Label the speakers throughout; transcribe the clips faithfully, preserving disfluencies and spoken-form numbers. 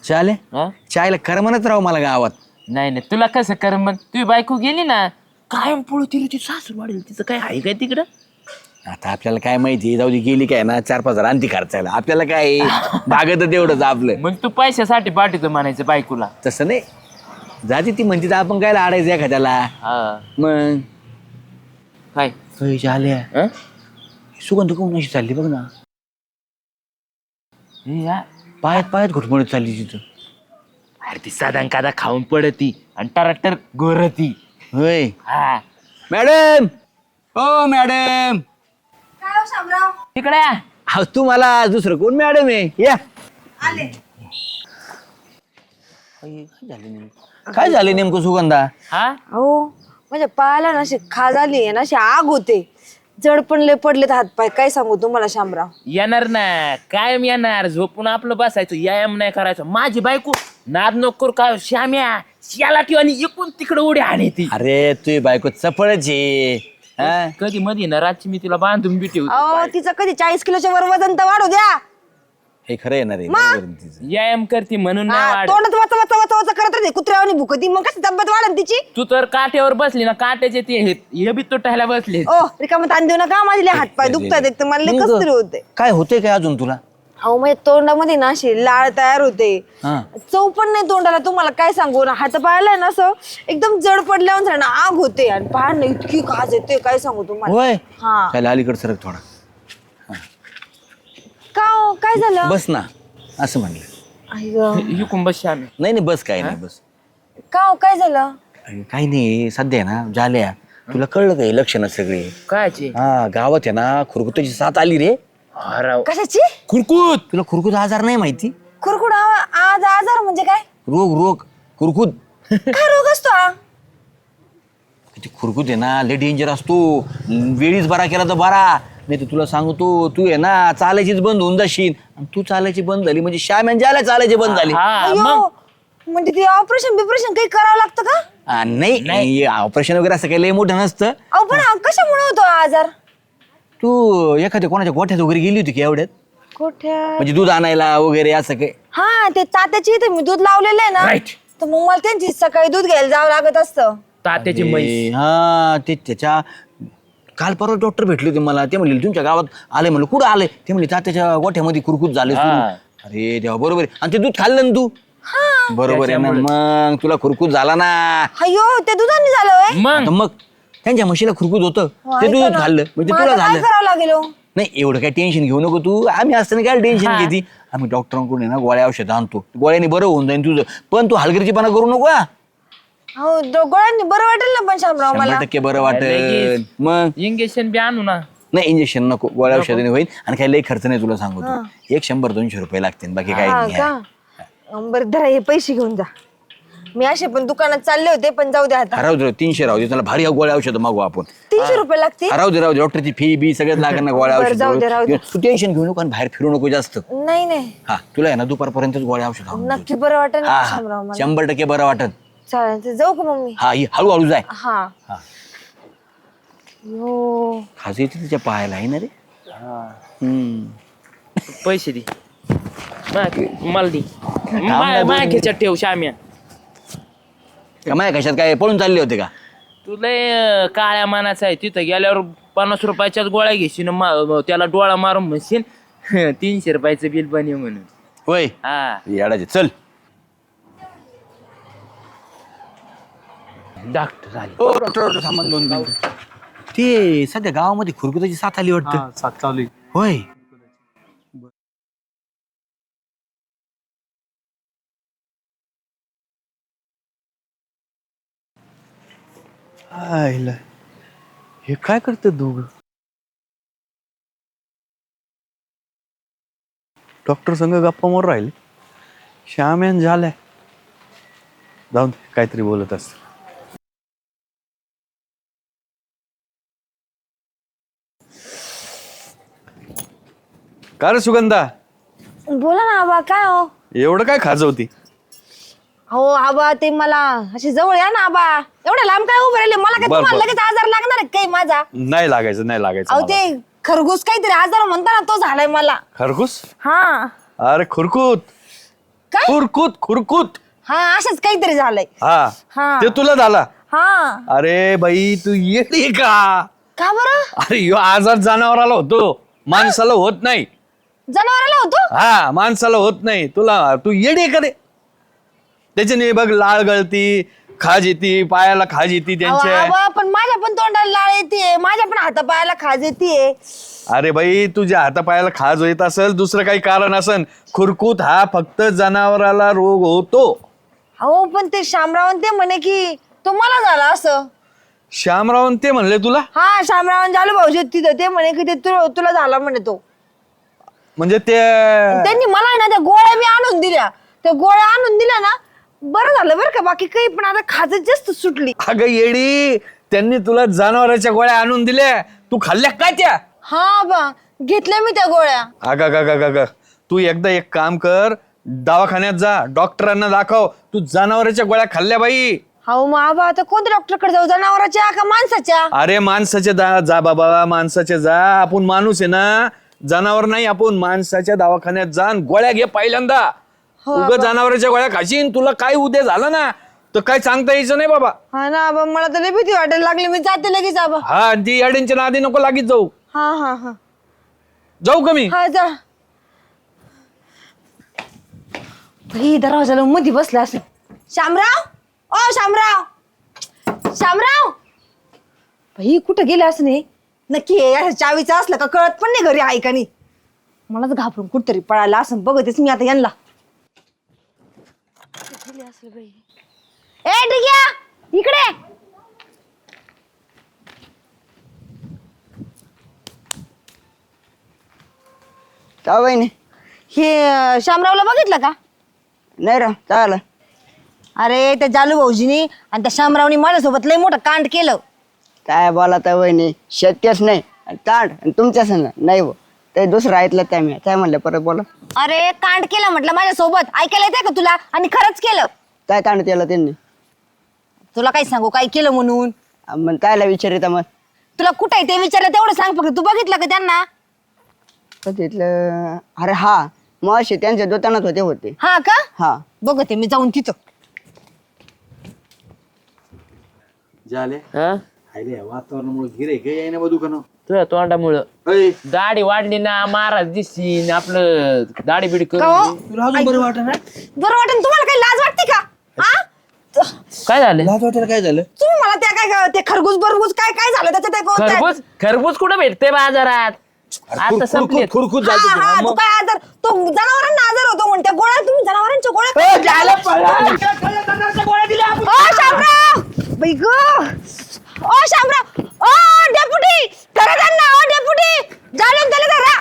Speaker 1: चाले
Speaker 2: हा?
Speaker 1: चायला करमनच राव मला गावात.
Speaker 2: नाही नाही तुला कसं कर मग तुझी बायको गेली ना कायम पळू तिला ती सासू वाढेल तिचं काय आहे काय तिकडं.
Speaker 1: आता आपल्याला काय माहिती, जाऊ दे गेली काय ना चार पाच हजार आणती खर्चायला, आपल्याला काय भागत तेवढंच आपलं.
Speaker 2: मग तू पैशासाठी पाठवतो म्हणायचं बायकोला.
Speaker 1: तसं नाही, जाते ती म्हणते तर आपण काय आडायचं एखाद्याला.
Speaker 2: हा
Speaker 1: मग
Speaker 2: काय
Speaker 1: आल्या
Speaker 2: हं?
Speaker 1: सुगंध कोण अशी चालली बघ ना,
Speaker 2: हे या.
Speaker 1: पायात पायात घुटमळत चालली तिथं.
Speaker 2: अरे ती साधारण कादा खाऊन पडती आणि टराटर गोरती.
Speaker 1: होय
Speaker 2: हा
Speaker 1: मॅडम, ओ मॅडम.
Speaker 3: काय हो शामराव?
Speaker 2: तिकडे या.
Speaker 1: हा तू मला दुसरं कोण मॅडम आहे या.
Speaker 3: आले.
Speaker 1: काय झाले नेमकं सुगंधा?
Speaker 2: हा
Speaker 3: हो म्हणजे पायाला ना अशी खाज आली ना अशी आग होते, जड पण लय पडलेत हातपाय. काय सांगू तुम्हाला शामराव.
Speaker 2: येणार ना कायम येणार, झोपून आपलं बसायचं, व्यायाम नाही करायचं. माझी बायको नाद नको काय श्याम्या श्याला ठेव आणि इकून तिकडे उडी आणि ती.
Speaker 1: अरे तुझी बायको चपळच आहे. हा?
Speaker 2: कधी मध्ये ना रातची मी तिला बांधून बी ठेवतो.
Speaker 3: अहो तिचं कधी चाळीस किलोच्या वर वजन तर वाढू द्या.
Speaker 1: हे खरं येणार आहे बरोबर आहे तिचं.
Speaker 2: व्यायाम करते म्हणून नाही
Speaker 3: हा,
Speaker 2: वाढ.
Speaker 3: तोंडात वाचा वाचा वाचा वाचा करत राहते कुत्र्यावानी भुकती, मग कशी तब्येत वाढन तिची.
Speaker 2: तू तर काट्यावर बसली ना, काट्याचे ते हे हे बी तुटायला बसले.
Speaker 3: ओ रिकामं ताण देऊ नका, माझे लय हातपाय दुखतात एक तर, मला लय कसतरी होते.
Speaker 1: काय होते काय अजून तुला?
Speaker 3: अहो म्हणजे तोंडामध्ये ना अशी लाळ तयार होते,
Speaker 1: हा.
Speaker 3: चव पण नाही तोंडाला. तुम्हाला काय सांगू ना, हात पायाला ना असं एकदम जड पडल्यावर ना आग होते आणि पाय ना इतकी खाज येते काय सांगू तुम्हाला.
Speaker 1: होय
Speaker 3: हा
Speaker 1: त्याला अलीकडे सरक थोडा.
Speaker 3: का हो, काय झालं?
Speaker 1: बस ना असं म्हणलं.
Speaker 3: आई गं.
Speaker 2: इकून बस आम्ही.
Speaker 1: नाही नाही बस काय नाही बस.
Speaker 3: का हो, काय झालं?
Speaker 1: अरे, काही नाही सध्या आहे ना झाल्या तुला कळलं काय लक्षणं सगळे.
Speaker 2: कायचे
Speaker 1: हा गावात आहे ना खुरकुताची साथ आली रे.
Speaker 2: हराव
Speaker 3: कशाची?
Speaker 2: कुरकुत.
Speaker 1: तुला खुरकुत आजार नाही माहिती?
Speaker 3: कुरकुड आवा- आज आजार म्हणजे काय?
Speaker 1: रोग रोग खुरकुत.
Speaker 3: काय रोग असतो हा?
Speaker 1: ते खुरकुत आहे ना लय डेंजर असतो. वेळीच बरा केला तर बरा, नाही तर तुला सांगतो तू आहे ना चालायचीच बंद होऊन जाशील. आणि तू चालायची बंद झाली म्हणजे श्याम ज्याला चालायची बंद झाली.
Speaker 2: हा मग
Speaker 3: अयो, म्हणजे ते ऑपरेशन बिपरेशन काही करावं लागतं का?
Speaker 1: आ, नाही ऑपरेशन वगैरे असं काही लय मोठं नसतं.
Speaker 3: अहो पण हा कशामुळे होतो हा आजार?
Speaker 1: तू एखाद्या कोणाच्या गोठ्यात वगैरे गेली होती की एवढ्यात,
Speaker 3: कुठे?
Speaker 1: म्हणजे दूध आणायला वगैरे असं काही?
Speaker 3: हा ते तात्याची इथे मी दूध लावलेलं आहे ना,
Speaker 2: Right.
Speaker 3: तर मग मला त्यांची सकाळी दूध घ्यायला जावं लागत असतं.
Speaker 2: तात्याची म्हैस.
Speaker 1: हा ते त्याच्या काल परवा डॉक्टर भेटले होते मला. ते म्हणले तुमच्या गावात आले, म्हणलं कुठं आले? ते म्हणले तात्याच्या गोठ्यामध्ये कुरकुत झाले सुरू.
Speaker 2: हा.
Speaker 1: अरे देवा बरोबर आहे. आणि ते दूध खाल्लं ना तू? बरोबर आहे ना, मग तुला खुरकूत झाला ना.
Speaker 3: अयो ते दुधाने झालं होय?
Speaker 2: मग
Speaker 1: आता मग त्यांच्या म्हशीला खुरकूत होतं, ते
Speaker 3: ऐका
Speaker 1: दूध
Speaker 3: ना,
Speaker 1: खाल्लं म्हणजे
Speaker 3: मग
Speaker 1: तुला
Speaker 3: आता काय
Speaker 1: झालं.
Speaker 3: करावं लागेल हो?
Speaker 1: नाही एवढं काय टेन्शन घेऊ नको तू. आम्ही असताना काय टेन्शन
Speaker 2: हा.
Speaker 1: घेते. आम्ही डॉक्टरांकडून आहे ना गोळ्या औषध आणतो, गोळ्याने बरं होऊन जाईल तुझं. पण तू हलगर्जीपणा करू नको हा.
Speaker 3: हो दो- गोळ्यांनी बरं वाटेल ना पण शामराव मला.
Speaker 1: शंभर टक्के बरं वाटेल.
Speaker 2: लगेच.
Speaker 1: मग
Speaker 2: इंजेक्शन बी आणू ना.
Speaker 1: नाही इंजेक्शन नको, गोळ्या औषधाने होईल. आणि काही लई खर्च नाही तुला सांगतो. एक शंभर दोनशे रुपये लागतील, बाकी काही
Speaker 3: हा
Speaker 1: नाही.
Speaker 3: का? बरं धरा हे पैसे घेऊन जा. मी असे पण दुकानात चालले होते, पण जाऊ द्या आता.
Speaker 1: राहू दे तीनशे राहू दे, त्याला भारी गोळ्या औषध मागू आपण.
Speaker 3: तीनशे रुपये लागतील?
Speaker 1: राहू दे राहू दे, डॉक्टरची फी बी सगळ्यात लागेल ना गोळ्या
Speaker 3: बरं, जाऊ दे, राहू दे.
Speaker 1: औषध. तू टेन्शन घेऊ नको आणि बाहेर फिरू नको जास्त.
Speaker 3: नाही नाही
Speaker 1: हा तुला आहे ना दुपारपर्यंत गोळ्या औषध आणून देतो.
Speaker 3: नक्की बरं वाटेल
Speaker 1: हा
Speaker 3: ना
Speaker 1: हा
Speaker 3: शामराव मला.
Speaker 1: शंभर टक्के बरं वाटत.
Speaker 3: चालेल ते जाऊ का मम्मी?
Speaker 1: हा ही हळूहळू जाय.
Speaker 3: हा
Speaker 1: हा
Speaker 3: यो
Speaker 1: खाज येते तिच्या पायाला आहे ना रे. हम्म.
Speaker 2: पैसे दे मा- मला दे माझ्या खेच्यात ठेव श्याम्या.
Speaker 1: का माया कशात काय पळून चालले होते का?
Speaker 2: तू लय अं, काळ्या मानाचा आहे. तिथं गेल्यावर पन्नास रुपयाच्याच गोळ्या घेशील, मा- त्याला डोळा मारून म्हणशील तीनशे रुपयाचं बिल बने म्हणून.
Speaker 1: होय
Speaker 2: हा
Speaker 1: येडाचे चल.
Speaker 2: डॉक्टर आले.
Speaker 1: ओ, डॉक्टर, डॉक्टर, थांबा दोन मिनिटं. ते सध्या गावामध्ये खुरकुताची साथ आली वाटतं.
Speaker 4: सात चालू आहे.
Speaker 1: होय
Speaker 4: आईला हे काय करते दोघ? डॉक्टर संग गप्पा मारून राहिले. श्याम यान झालाय, जाऊन दे, काहीतरी बोलत असत. का रे सुगंधा,
Speaker 3: बोला ना आबा. काय हो?
Speaker 4: एवढं काय खाजवती?
Speaker 3: हो आबा ते मला अशी जवळ या ना आबा. एवढ्या लांब काय उभं राहिले? मला काय
Speaker 4: बर,
Speaker 3: तुम्हाला
Speaker 4: बर.
Speaker 3: लगेच आजार लागणार आहे काही माझा?
Speaker 4: नाही लागायचं, नाही लागायचं
Speaker 3: अहो
Speaker 4: मला.
Speaker 3: ते खरगूस काहीतरी आजार म्हणता ना, तो झालाय मला.
Speaker 4: खरगूस?
Speaker 3: हा
Speaker 4: अरे खुरकूत.
Speaker 3: काय?
Speaker 4: खुरकूत खुरकूत
Speaker 3: हा असंच काहीतरी झालंय.
Speaker 4: हा
Speaker 3: हा.
Speaker 4: ते तुला झाला.
Speaker 3: हा
Speaker 4: अरे बाई तू येडी का?
Speaker 3: का बरं?
Speaker 4: अरे ह्यो आजार जनावराला होतो, माणसाला होत नाही.
Speaker 3: जनावराला होतो?
Speaker 4: हा माणसाला होत नाही. तुला तू येडी का रे? त्याच्याने बघ लाळ गळती, खाज येते, पायाला खाज येते त्यांच्या.
Speaker 3: अहो, आबा, पण माझ्या पण तोंडाला लाळ येते, माझ्या पण हातापायाला खाज येते.
Speaker 4: अरे बाई तुझ्या हातापायाला खाज येत असेल, दुसरं काही कारण असेल. खुरकूत हा फक्त जनावराला रोग होतो.
Speaker 3: हो पण ते शामरावण ते म्हणे की तो मला झाला असं.
Speaker 4: श्यामरावन ते म्हणले तुला?
Speaker 3: हा शामरावण झालं भाऊजी तिथं ते म्हणे की ते तु- तुला झाला म्हणे तो.
Speaker 4: म्हणजे ते
Speaker 3: त्यांनी मला आहे ना त्या गोळ्या मी आणून दिल्या, त्या गोळ्या आणून दिल्या ना बरं झालं बरं का, बाकी काही पण आता खाजच जास्त सुटली.
Speaker 4: अगं येडी, त्यांनी तुला जनावराच्या गोळ्या आणून दिल्या, तू खाल्ल्या काय त्या?
Speaker 3: हा बा घेतल्या मी त्या गोळ्या.
Speaker 4: अगं ग ग ग तू एकदा एक काम कर, दवाखान्यात जा, डॉक्टरांना दाखव. तू जनावराच्या गोळ्या खाल्ल्या बाई.
Speaker 3: हो मग आबा आता कोणत्या डॉक्टरकडे जाऊ, जनावराच्या का माणसाच्या?
Speaker 4: अरे माणसाच्या जा जा बाबा, माणसाच्या जा. आपण माणूस आहे ना, जनावर नाही. आपण माणसाच्या दवाखान्यात जा आणि गोळ्या घे पहिल्यांदा. उगा जनावराच्या गोळ्या खाशीन, तुला काय उद्या झालं ना तर काय सांगता यायचं नाही बाबा.
Speaker 3: हा ना आबा, मला तर लई भीती वाटायला लागली, मी जाते लगेच आबा.
Speaker 4: हा आणि ती अडींच्या नादी नको लागीत जाऊ.
Speaker 3: हा हा हा
Speaker 4: जाऊ का मी?
Speaker 3: हा जा. ही दरवाजाला मध्ये बसला असं. शामराव, ओ शामराव, शामराव भाई कुठं गेले असं नाही नक्की. हे चावीचं असलं का कळत पण नाही घरी आहे का नाही. मलाच घाबरून कुठतरी पळायला असं बघतेच मी आता यांना. ए ठीक आहे इकडे.
Speaker 5: का बहिणी?
Speaker 3: हे अं, शामरावला बघितलं का?
Speaker 5: नाही रा चाल.
Speaker 3: अरे त्या जालू भाऊजीनी आणि त्या शामरावनी माझ्यासोबत लय मोठं कांड केलं.
Speaker 5: काय बोला तर बहिणी, शक्यच नाही. आणि ताट आणि तुमच्या संग नाही हो, ते दुसरं ऐकलं त्या मी काय म्हणलं परत बोला.
Speaker 3: अरे कांड केलं म्हटलं माझ्यासोबत, ऐकायला येते का तुला? आणि खरंच केलं.
Speaker 5: काय ताण केलं त्यांनी?
Speaker 3: तुला काय सांगू काय केलं म्हणून?
Speaker 5: मग कायला विचारित मग?
Speaker 3: तुला कुठे ते विचारलं तेवढं सांग फक्त. तू बघितलं का त्यांना?
Speaker 5: तिथलं अरे हा मावशी त्यांच्या दुकानात होते होते
Speaker 3: हा का?
Speaker 5: हा.
Speaker 3: बघते मी जाऊन तिथं.
Speaker 1: झाले
Speaker 2: हा
Speaker 1: वातावरणामुळे गिरे काही आहे ना बा दुकान.
Speaker 2: तुझ्या तोंडामुळं दाढी वाढली ना, महाराज दिसशील आपलं दाढी बिडी
Speaker 3: का हो?
Speaker 2: करून.
Speaker 1: तुला अजून बरं वाटत ना?
Speaker 3: बरं वाटेल तुम्हाला काही लाज वाटते का? हा?
Speaker 2: काय झालं?
Speaker 1: लाज वाटायला काय झालं?
Speaker 3: तुम्ही मला त्या काय ते खरबूज बरबूज काय काय झालं त्याच्यात ते कोणतं-
Speaker 2: खरबूज खरबूज कुठं भेटते बाजारात? आता संपले.
Speaker 1: खुरखुत
Speaker 3: हा,
Speaker 1: झालं
Speaker 3: हा, तू काय आजार तो जनावरांना आजार होतो म्हणते गोळ्या तुम्ही जनावरांच्या गोळ्या ओ शामराव बाई गं. ओ शामराव, ओ डेपुटी धरा त्यांना. ओ डेपुटी जालून त्याला धरा.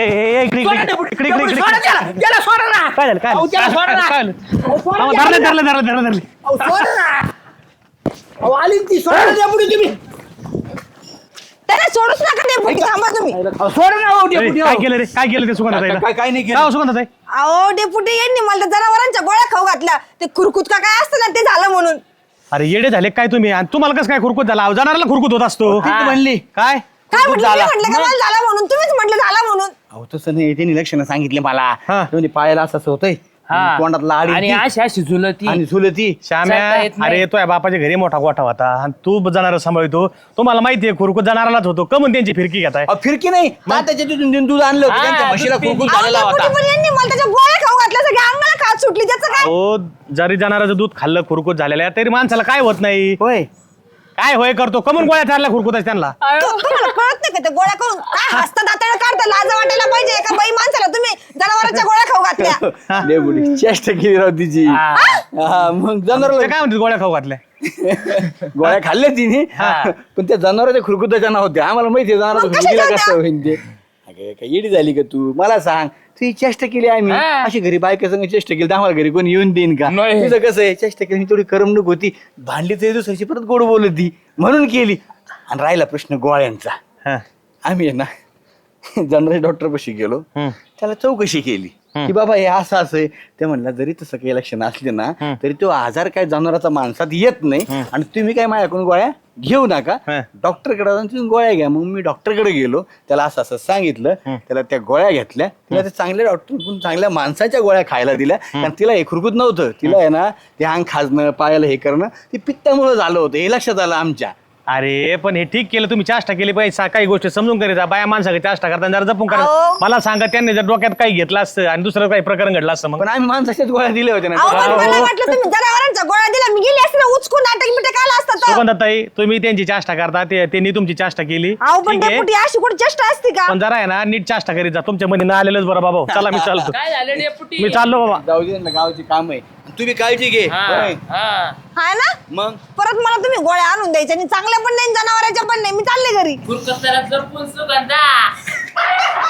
Speaker 3: त्याला सोडूच नका डेपुटी, थांबा तुम्ही.
Speaker 6: काय केलं रे? काय केलं ते सुगंधाताईला?
Speaker 1: काय काय नाही
Speaker 6: काय
Speaker 1: केलं.
Speaker 6: हो सुगंधाताई?
Speaker 3: अहो डेपुटी यांनी मला त्या जनावरांच्या गोळ्या खाऊ घातल्या. ते खुरकुत का काय असतं ना ते झालं म्हणून.
Speaker 6: अरे येडे झाले काय तुम्ही? आणि तुम्हाला कसं काय खुरकूत झाला? जनावराला खुरकूत होत असतो.
Speaker 1: ती म्हणली
Speaker 6: काय?
Speaker 3: काय म्हटलं? मी म्हटलं का मला झालं म्हणून? तुम्हीच म्हटलं झालं म्हणून.
Speaker 1: अहो तसं नाही, त्यांनी लक्षणं सांगितले मला.
Speaker 6: हा.
Speaker 1: म्हणजे पायाला असं असं होतंय,
Speaker 2: हा.
Speaker 1: तोंडात लाड
Speaker 2: आणि
Speaker 1: येते
Speaker 2: अशी अशी झुलती.
Speaker 1: आणि झुलती.
Speaker 6: श्याम्या,
Speaker 2: चालता येत नाही.
Speaker 6: अरे तो या बापाच्या घरी मोठा गोठा होता आणि तू जनावर सांभाळतो. तुम्हाला माहितीये खुरकूत जनावरालाच होतो. कमून त्यांची फिरकी घेताय?
Speaker 1: अहो, फिरकी नाही तात्याच्या तिथून दूध आणलं होतं,
Speaker 2: हा,
Speaker 1: त्यांच्या म्हशीला
Speaker 2: दूध
Speaker 1: खुरकूत
Speaker 3: अहो,
Speaker 1: झालेला
Speaker 3: डेपुटी
Speaker 1: होता.
Speaker 3: पण यांनी मला त्याच्या गोळ्या खाऊ घातल्या, सगळ्या अंगाला खाज सुटली. त्याचं काय?
Speaker 6: हो, जरी जनावराचं दूध खाल्लं खुरकूत झालेलं आहे तरी माणसाला काय होत नाही.
Speaker 1: होय
Speaker 6: काय होय करतो? कमून गोळ्या चारल्या खुरकूत त्यांना?
Speaker 3: तु- तुम्हाला कळत नाही का ते गोळ्या करून काय हसता दाताने काढता? लाज वाटायला पाहिजे एका बाई माणसाला. तुम्ही जनावरांच्या गोळ्या खाऊ घातल्या.
Speaker 1: डेपुटी चेष्टा केली राव तिची. हा, मग
Speaker 6: ते
Speaker 1: जनावर
Speaker 6: काय म्हणते गोळ्या खाऊ घातल्या?
Speaker 1: गोळ्या खाल्ल्या तिने, पण त्या जनावरांच्या खुरकुताच्या नव्हत्या. आम्हाला माहिती आहे जनावरांच्या
Speaker 3: मग कशाच्या
Speaker 1: खुरकुतीला
Speaker 3: होत्या?
Speaker 1: कसं होईन ते. अगं, काय येडी झाली का तू? मला सांग, तू ही चेष्टा केली आम्ही
Speaker 2: हा.
Speaker 1: अशी घरी बायका संग चेष्टा केली तर आम्हाला घरी कोणी येऊन देईन का?
Speaker 2: नाही.
Speaker 1: तुझं कसं आहे, चेष्टा केली थोडी करमणूक होती, भांडली तरी दुसऱ्याची परत गोड बोलत ती म्हणून केली. आणि राहिला प्रश्न गोळ्यांचा.
Speaker 6: हा.
Speaker 1: आम्ही आहे ना जनरल डॉक्टर पाशी गेलो,
Speaker 6: हम्म.
Speaker 1: त्याला चौकशी केली. की बाबा हे असं असं आहे. ते म्हणलं जरी तसं काही लक्षण असले ना तरी तो आजार काय जनावराचा माणसात येत नाही आणि तुम्ही काय माझ्याकडून गोळ्या घेऊ नका,
Speaker 6: हं.
Speaker 1: डॉक्टरकडे जाऊन तुम्ही गोळ्या घ्या. मग मी डॉक्टरकडे गेलो, त्याला असं असं सांगितलं, त्याला त्या गोळ्या घेतल्या, तिला ते चांगल्या डॉक्टर चांगल्या माणसाच्या गोळ्या खायला दिल्या. कारण तिला हे खुरकूत नव्हतं, तिला आहे ना ते अंग खाजणं पायाला हे करणं ते पित्तामुळे झालं होतं, हे लक्षात आलं आमच्या.
Speaker 6: अरे पण हे ठीक केलं तुम्ही, चाष्टा केली पाहिजे. सा- काही गोष्टी समजून करीत जा. बाया माणसाकडे चाष्टा करताना जरा जपून करा.
Speaker 3: अहो.
Speaker 6: मला सांगा त्यांनी जर डोक्यात काही घेतलं असतं आणि दुसरं काही प्रकरण घडलं असतं मग
Speaker 1: पण आम्ही माणसाच्याच गोळ्या दिल्या होत्या
Speaker 3: अहो पण
Speaker 1: ना.
Speaker 3: मला वाटलं तुम्ही जनावरांचा गोळ्या दिला, मी गेली असते ना उचकून नाटक बिटक आला असता तर.
Speaker 6: सुगंधाताई तुम्ही त्यांची चाष्टा करता, ते- त्यांनी तुमची चाष्टा केली,
Speaker 3: अहो पण
Speaker 6: ठीक आहे.
Speaker 3: डेपुटी अशी कुठे चेष्टा असते का?
Speaker 6: पण जरा आहे ना नीट चाष्टा करीत जा. तुमच्या मध्ये ना आलेलंच बरं बाबा. चला मी चालतो,
Speaker 2: काय झालं डेपुटी?
Speaker 6: मी चाललो बाबा.
Speaker 1: जाऊ दे ना, गावाची काम आहे, तुम्ही काळजी घे.
Speaker 2: हा,
Speaker 1: होय.
Speaker 2: हा.
Speaker 3: हा ना,
Speaker 1: मग
Speaker 3: परत मला तुम्ही गोळ्या आणून द्यायच्या आणि चांगल्या पण नाही जनावरांच्या पण नाही, मी चालले घरी.
Speaker 2: खुरकत जरा जपून सुगंधा.